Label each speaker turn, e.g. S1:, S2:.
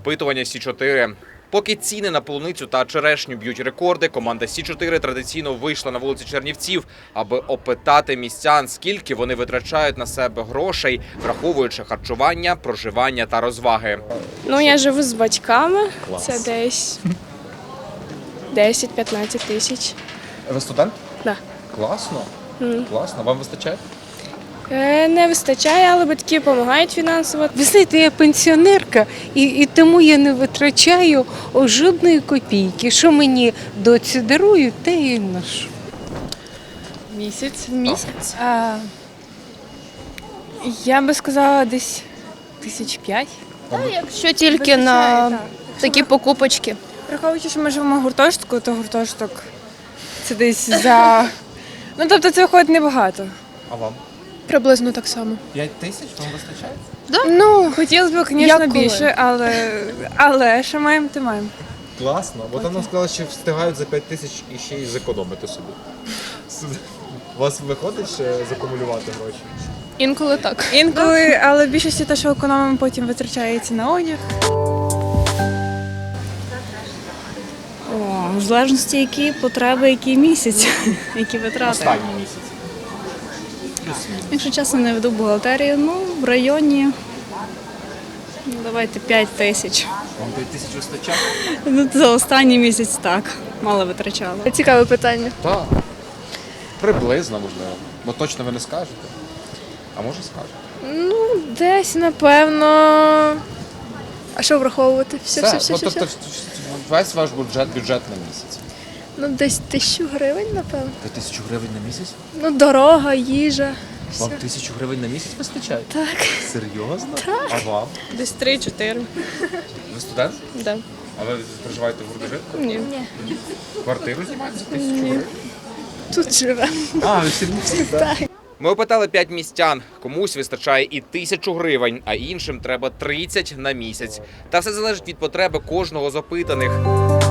S1: Опитування Сі-4. Поки ціни на полуницю та черешню б'ють рекорди, команда Сі-4 традиційно вийшла на вулиці Чернівців, аби опитати містян, скільки вони витрачають на себе грошей, враховуючи харчування, проживання та розваги.
S2: Ну, я живу з батьками.
S1: Клас.
S2: Це десь 10-15 тисяч.
S1: Ви студент?
S2: Да.
S1: Класно. Класно. Вам вистачає?
S2: Не вистачає, але батьки допомагають фінансово.
S3: Ви знаєте, я пенсіонерка, і тому я не витрачаю жодної копійки. Що мені доці дарують, те і ношу.
S4: Місяць.
S2: Місяць.
S4: Я би сказала десь 5,000.
S5: Якщо тільки на такі покупочки.
S4: Враховуючи, що ми живемо в гуртожитку, то гуртожиток це десь за... Ну, тобто це виходить небагато.
S1: А вам?
S5: Приблизно так само.
S1: 5 тисяч вам вистачає?
S4: Ну, хотілося б, звісно,
S5: Як коли?
S4: більше, але що маємо, то маємо.
S1: Класно. Бо там нам сказали, що встигають за 5 тисяч і ще й зекономити собі. У вас виходить ще закумулювати гроші?
S5: Інколи так.
S4: Інколи, але більшості те, що економимо, потім витрачається на одяг.
S6: В залежності, які потреби, який місяць, які витрати.
S1: Останній місяць.
S6: Якщо чесно, не веду бухгалтерію, в районі, давайте 5 тисяч.
S1: Вам 5 тисяч вистачає?
S6: За останній місяць так, мало витрачала.
S5: Цікаве питання.
S1: Так. Приблизно, можливо. Бо точно ви не скажете. А може скажете?
S5: Ну, десь, напевно. А що враховувати? Все.
S1: Тобто весь ваш бюджет на місяць.
S5: Ну, десь 1000 гривень, напевно.
S1: 1000 гривень на місяць?
S5: Ну, дорога, їжа.
S1: Вам 1000 гривень на місяць вистачає?
S5: Так.
S1: Серйозно? Так. А вам?
S2: Десь 3-4.
S1: Ви студент?
S2: Да.
S1: А ви проживаєте в гуртожитку?
S2: Ні.
S1: Квартиру знімаєте за 1000 гривень?
S2: Тут живе.
S1: А, ви всі так? Ми опитали 5 містян. Комусь вистачає і 1000 гривень, а іншим треба 30 на місяць. Та все залежить від потреби кожного з опитаних.